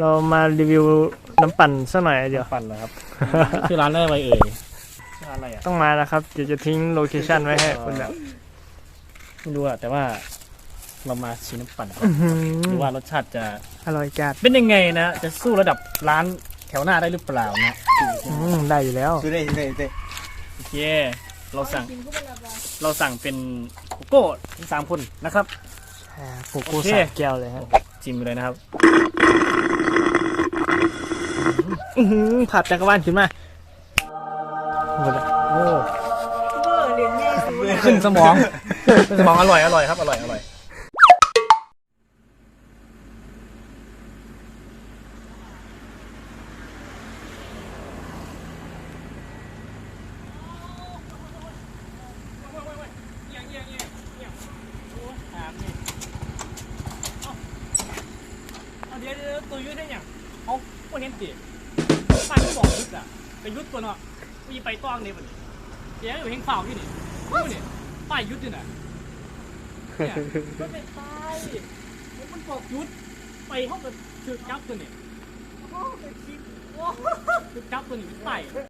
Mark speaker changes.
Speaker 1: เรามารีวิวน้ำปั่นสักหน่อยเดี๋ยว
Speaker 2: ปั่นเหรอครับชื่อร้านอะไรเอ่ยชื่อร้านอะไรอ่ะ
Speaker 1: ต้องมาแล้วครับเดี๋ยวจะทิ้งโลเคชั่นไว้ให้คุณแบบ
Speaker 2: ไม่รู้อะแต่ว่าเรามาชิมน้ำปั่นดูว่ารสชาติจะ
Speaker 1: อร่อยจัด
Speaker 2: เป็นยังไงนะจะสู้ระดับร้านแถวหน้าได้หรือเปล่านะ
Speaker 1: ได้อยู่แล้ว
Speaker 3: ซื้อได้
Speaker 2: โอเคเราสั่งเป็นโกโก้ทั้ง3 คนนะครับ
Speaker 1: โกโก้
Speaker 2: โอเค
Speaker 1: สามแก้วเลยฮะ
Speaker 2: จิ้มไปเลยนะครับ
Speaker 1: ผัดจักรวาลขึ้นมาหมดแล้วโอ้
Speaker 2: ขึ้นสมองขึ้นสมองอร่อยครับอร่อยเดี๋ยวตัวยุทธได้ยังเอาพวกเห็นสิป้าที่บอกยุทธอะไปยุทธตัวเนาะมีไปต้องในวันนี้เดี๋ยวอยู่เฮงเฝ้าที่นี่นี่ป้ายยุทธนี่นะเนี่ยก็เป็นป้ายมันบอกยุทธไปห้องกับคือจับตัวนี่คือจับตัวนี่เป็นป้าย